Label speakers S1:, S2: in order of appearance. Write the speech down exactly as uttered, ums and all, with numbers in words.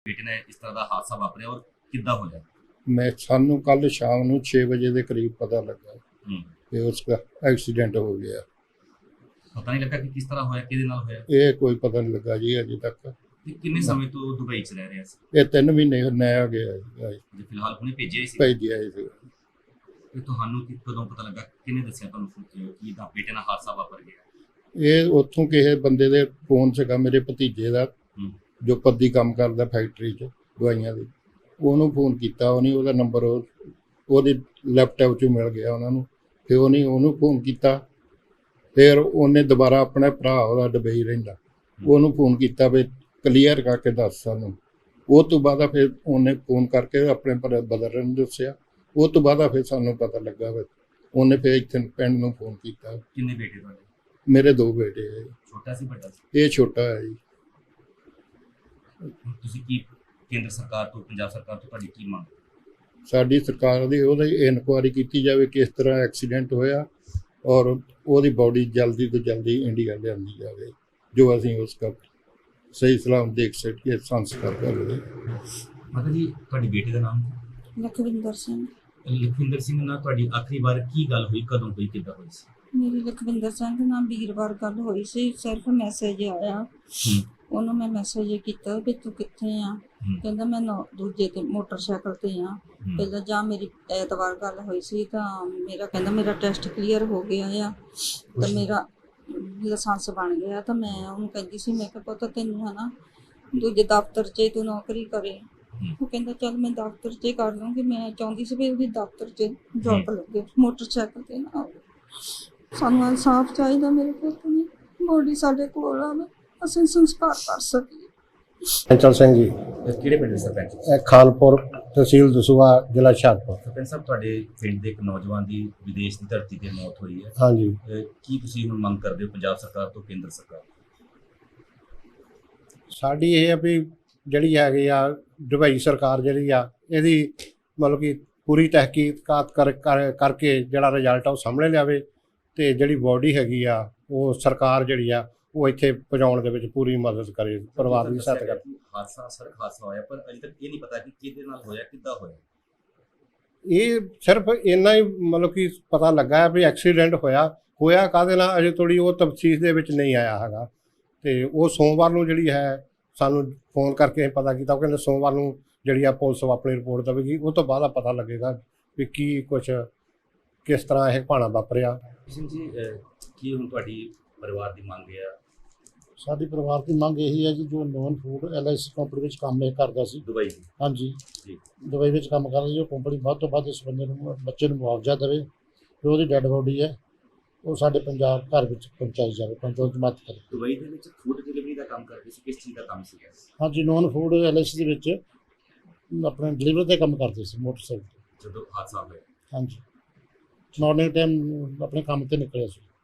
S1: बेटे ने इस तरह का हादसा वापरिया और किद्दां होया?
S2: मैं सानू कल शाम ਨੂੰ छे बजे के करीब पता लगा
S1: हम्म
S2: कि उसका एक्सीडेंट हो गया।
S1: पता नहीं लगा कि किस तरह होया, किहदे नाल होया?
S2: ये कोई पता नहीं लगा जी अजे तक।
S1: ते किन्ने समय तो दुबई च रह रहे सी?
S2: ये तीन महीने नया गया
S1: जे फिलहाल हुणे भेजिया ही सी।
S2: भेजिया ਸੀ।
S1: ਤੇ ਤੁਹਾਨੂੰ ਕਿ ਕਦੋਂ ਪਤਾ ਲੱਗਾ, ਕਿਹਨੇ ਦੱਸਿਆ ਤੁਹਾਨੂੰ ਕਿ ਦਾ ਬੇਟੇ ਨਾਲ ਹਾਦਸਾ ਵਾਪਰ ਗਿਆ?
S2: ਇਹ ਉੱਥੋਂ ਕਿਸੇ ਬੰਦੇ ਦੇ ਫੋਨ ਸੀਗਾ, ਮੇਰੇ ਭਤੀਜੇ ਦਾ
S1: ਹੂੰ
S2: ਜੋ ਪੱਦੀ ਕੰਮ ਕਰਦਾ ਫੈਕਟਰੀ 'ਚ ਦਵਾਈਆਂ ਦੀ। ਉਹਨੂੰ ਫੋਨ ਕੀਤਾ, ਉਹਨੇ ਉਹਦਾ ਨੰਬਰ ਉਹਦੇ ਲੈਪਟਾਪ 'ਚੋਂ ਮਿਲ ਗਿਆ ਉਹਨਾਂ ਨੂੰ। ਫਿਰ ਉਹਨੇ ਉਹਨੂੰ ਫੋਨ ਕੀਤਾ। ਫਿਰ ਉਹਨੇ ਦੁਬਾਰਾ ਆਪਣੇ ਭਰਾ ਉਹਦਾ ਦੁਬਈ ਰਹਿੰਦਾ, ਉਹਨੂੰ ਫੋਨ ਕੀਤਾ ਵੀ ਕਲੀਅਰ ਕਰਕੇ ਦੱਸ ਸਾਨੂੰ। ਉਹ ਤੋਂ ਬਾਅਦ ਫਿਰ ਉਹਨੇ ਫੋਨ ਕਰਕੇ ਆਪਣੇ ਬ੍ਰਦਰ ਨੂੰ ਦੱਸਿਆ। ਉਹ ਤੋਂ ਬਾਅਦ ਫਿਰ ਸਾਨੂੰ ਪਤਾ ਲੱਗਾ ਵੀ ਉਹਨੇ ਫਿਰ ਇੱਥੇ ਪਿੰਡ ਨੂੰ ਫੋਨ ਕੀਤਾ।
S1: ਕਿੰਨੇ ਬੇਟੇ ਤੁਹਾਡੇ?
S2: ਮੇਰੇ ਦੋ ਬੇਟੇ ਹੈ।
S1: ਛੋਟਾ ਸੀ ਵੱਡਾ ਸੀ?
S2: ਇਹ ਛੋਟਾ ਹੈ ਜੀ।
S1: ਤੁਸੀਂ ਕੀ ਕੇਂਦਰ ਸਰਕਾਰ ਤੋਂ, ਪੰਜਾਬ ਸਰਕਾਰ ਤੋਂ ਤੁਹਾਡੀ ਕੀ ਮੰਗ?
S2: ਸਾਡੀ ਸਰਕਾਰ ਦੀ ਉਹਦੀ ਇਨਕੁਆਇਰੀ ਕੀਤੀ ਜਾਵੇ ਕਿਸ ਤਰ੍ਹਾਂ ਐਕਸੀਡੈਂਟ ਹੋਇਆ, ਔਰ ਉਹਦੀ ਬੋਡੀ ਜਲਦੀ ਤੋਂ ਜਲਦੀ ਇੰਡੀਆ ਲਿਆਂਦੀ ਜਾਵੇ, ਜੋ ਅਸੀਂ ਉਸ ਦਾ ਸਹੀ ਸਲਾਮ ਦੇਖ ਸਕੀਏ, ਸੰਸਕਾਰ ਕਰੀਏ।
S1: ਮਾਤਾ ਜੀ, ਤੁਹਾਡੀ ਬੇਟੀ ਦਾ ਨਾਮ?
S3: ਲਖਵਿੰਦਰ ਸਿੰਘ।
S1: ਲਖਵਿੰਦਰ ਸਿੰਘ ਨਾਲ ਤੁਹਾਡੀ ਆਖਰੀ ਵਾਰ ਕੀ ਗੱਲ ਹੋਈ, ਕਦੋਂ ਹੋਈ, ਕਿੱਦਾਂ ਹੋਈ ਸੀ?
S3: ਮੇਰੀ ਲਖਵਿੰਦਰ ਸਿੰਘ ਨਾਲ ਵੀਰਵਾਰ ਗੱਲ ਹੋਈ ਸੀ। ਸਿਰਫ ਮੈਸੇਜ ਆਇਆ, ਉਹਨੂੰ ਮੈਂ ਮੈਸੇਜ ਕੀਤਾ ਕਿ ਤੂੰ ਕਿੱਥੇ ਆ। ਕਹਿੰਦਾ ਮੈਂ ਨੌ ਦੂਜੇ ਤੇ ਮੋਟਰਸਾਈਕਲ ਤੇ ਆ। ਪਹਿਲਾਂ ਜਾਂ ਮੇਰੀ ਐਤਵਾਰ ਗੱਲ ਹੋਈ ਸੀ ਤਾਂ ਮੇਰਾ ਕਹਿੰਦਾ ਮੇਰਾ ਟੈਸਟ ਕਲੀਅਰ ਹੋ ਗਿਆ ਆ ਤਾਂ ਮੇਰਾ ਲਾਇਸੈਂਸ ਬਣ ਗਿਆ। ਤਾਂ ਮੈਂ ਉਹਨੂੰ ਕਹਿੰਦੀ ਸੀ, ਮੈਂ ਕਿਹਾ ਪੁੱਤ ਤੈਨੂੰ ਹੈ ਨਾ ਦੂਜੇ ਦਫ਼ਤਰ 'ਚ ਤੂੰ ਨੌਕਰੀ ਕਰੇ। ਉਹ ਕਹਿੰਦਾ ਚੱਲ ਮੈਂ ਦਫ਼ਤਰ 'ਚ ਕਰ ਲੂੰਗੀ। ਮੈਂ ਚਾਹੁੰਦੀ ਸੀ ਵੀ ਉਹਦੀ ਦਫ਼ਤਰ 'ਚ ਜੌਬ ਲੱਗੇ, ਮੋਟਰਸਾਈਕਲ ਤੇ ਨਾ। ਸਾਨੂੰ ਇਨਸਾਫ ਚਾਹੀਦਾ, ਮੇਰੇ ਪੁੱਤ ਨੇ ਬੋਡੀ ਸਾਡੇ ਕੋਲ ਆਵੇ, ਅਸੀਂ ਸੰਸਕਾਰ ਕਰ ਸਕੀਏ।
S4: ਚੰਚਲ ਸਿੰਘ ਜੀ,
S1: ਕਿਹੜੇ ਪਿੰਡ ਦੇ ਸਰਪੰਚ?
S4: ਇਹ ਖਾਲਪੁਰ ਤਹਿਸੀਲ ਦਸੂਹਾ ਜ਼ਿਲ੍ਹਾ ਹੁਸ਼ਿਆਰਪੁਰ।
S1: ਸਰਪੰਚ ਸਾਹਿਬ, ਤੁਹਾਡੇ ਪਿੰਡ ਦੇ ਇੱਕ ਨੌਜਵਾਨ ਦੀ ਵਿਦੇਸ਼ ਦੀ ਧਰਤੀ ਤੇ ਮੌਤ ਹੋਈ ਹੈ।
S4: ਹਾਂਜੀ,
S1: ਕੀ ਤੁਸੀਂ ਹੁਣ ਮੰਗ ਕਰਦੇ ਹੋ ਪੰਜਾਬ ਸਰਕਾਰ ਤੋਂ, ਕੇਂਦਰ ਸਰਕਾਰ?
S4: ਸਾਡੀ ਇਹ ਆ ਵੀ ਜਿਹੜੀ ਹੈਗੀ ਆ ਦੁਬਈ ਸਰਕਾਰ ਜਿਹੜੀ ਆ ਇਹਦੀ ਮਤਲਬ ਕਿ ਪੂਰੀ ਤਹਿਕੀਕਾਤ ਕਰ ਕਰਕੇ ਜਿਹੜਾ ਰਿਜ਼ਲਟ ਆ ਉਹ ਸਾਹਮਣੇ ਲਿਆਵੇ, ਅਤੇ ਜਿਹੜੀ ਬੋਡੀ ਹੈਗੀ ਆ ਉਹ ਸਰਕਾਰ ਜਿਹੜੀ ਆ ਉਹ ਇੱਥੇ ਪਹੁੰਚਾਉਣ ਦੇ ਵਿੱਚ ਪੂਰੀ ਮਦਦ ਕਰੇ, ਪਰਿਵਾਰ ਦੀ ਸਹਾਇਤਾ ਕਰੇ।
S1: ਹਾਦਸਾ ਸੜਕ ਹਾਦਸਾ ਹੋਇਆ, ਪਰ ਅਜੇ ਤੱਕ ਇਹ ਨਹੀਂ ਪਤਾ ਕਿ ਕਿਹਦੇ ਨਾਲ ਹੋਇਆ, ਕਿੱਦਾਂ ਹੋਇਆ।
S4: ਇਹ ਸਿਰਫ ਇੰਨਾ ਹੀ ਮਤਲਬ ਕਿ ਪਤਾ ਲੱਗਾ ਹੈ ਵੀ ਐਕਸੀਡੈਂਟ ਹੋਇਆ ਹੋਇਆ ਕਾਹਦੇ ਨਾਲ ਅਜੇ ਥੋੜ੍ਹੀ ਉਹ ਤਫਸੀਲ ਦੇ ਵਿੱਚ ਨਹੀਂ ਆਇਆ ਹੈਗਾ। ਅਤੇ ਉਹ ਸੋਮਵਾਰ ਨੂੰ ਜਿਹੜੀ ਹੈ ਸਾਨੂੰ ਫੋਨ ਕਰਕੇ ਪਤਾ ਕੀਤਾ। ਉਹ ਕਹਿੰਦੇ ਸੋਮਵਾਰ ਨੂੰ ਜਿਹੜੀ ਆ ਪੁਲਿਸ ਆਪਣੀ ਰਿਪੋਰਟ ਦੇਵੇਗੀ, ਉਹ ਤੋਂ ਬਾਅਦ ਆ ਪਤਾ ਲੱਗੇਗਾ ਵੀ ਕੀ ਕੁਛ ਕਿਸ ਤਰ੍ਹਾਂ ਇਹ ਭਾਣਾ ਵਾਪਰਿਆ।
S1: ਸਿੰਘ ਜੀ, ਕੀ ਹੁਣ ਤੁਹਾਡੀ ਪਰਿਵਾਰ ਦੀ ਮੰਗ ਹੈ?
S5: ਸਾਡੀ ਪਰਿਵਾਰ ਦੀ ਮੰਗ ਇਹੀ ਹੈ ਜੀ, ਜੋ non food L I C company ਵਿੱਚ ਕੰਮ ਇਹ ਕਰਦਾ ਸੀ
S1: ਦੁਬਈ ਦੀ।
S5: ਹਾਂਜੀ
S1: ਜੀ,
S5: ਦੁਬਈ ਵਿੱਚ ਕੰਮ ਕਰਦਾ ਸੀ। ਉਹ ਕੰਪਨੀ ਵੱਧ ਤੋਂ ਵੱਧ ਇਸ ਬੰਦੇ ਨੂੰ ਬੱਚੇ ਨੂੰ ਮੁਆਵਜ਼ਾ ਦੇਵੇ, ਜੋ ਉਹਦੀ ਡੈੱਡ ਬੋਡੀ ਹੈ ਉਹ ਸਾਡੇ ਪੰਜਾਬ ਘਰ ਵਿੱਚ ਪਹੁੰਚਾਈ ਜਾਵੇ, ਪਹੁੰਚਾਉਣ ਮਦਦ ਕਰੇ।
S1: ਦੁਬਈ ਦੇ ਵਿੱਚ ਫੂਡ ਡਿਲੀਵਰੀ ਦਾ ਕੰਮ ਕਰਦੇ ਸੀ, ਕਿਸ ਚੀਜ਼ ਦਾ ਕੰਮ ਸੀਗਾ?
S5: ਹਾਂਜੀ, non food L I C ਦੇ ਵਿੱਚ ਆਪਣੇ ਡਿਲੀਵਰੀ ਦਾ ਕੰਮ ਕਰਦੇ ਸੀ ਮੋਟਰਸਾਈਕਲ 'ਤੇ।
S1: ਜਦੋਂ ਹਾਦਸਾ ਹੋਇਆ?
S5: ਹਾਂਜੀ, ਮਾਰਨਿੰਗ ਟਾਈਮ ਆਪਣੇ ਕੰਮ 'ਤੇ ਨਿਕਲਿਆ ਸੀ।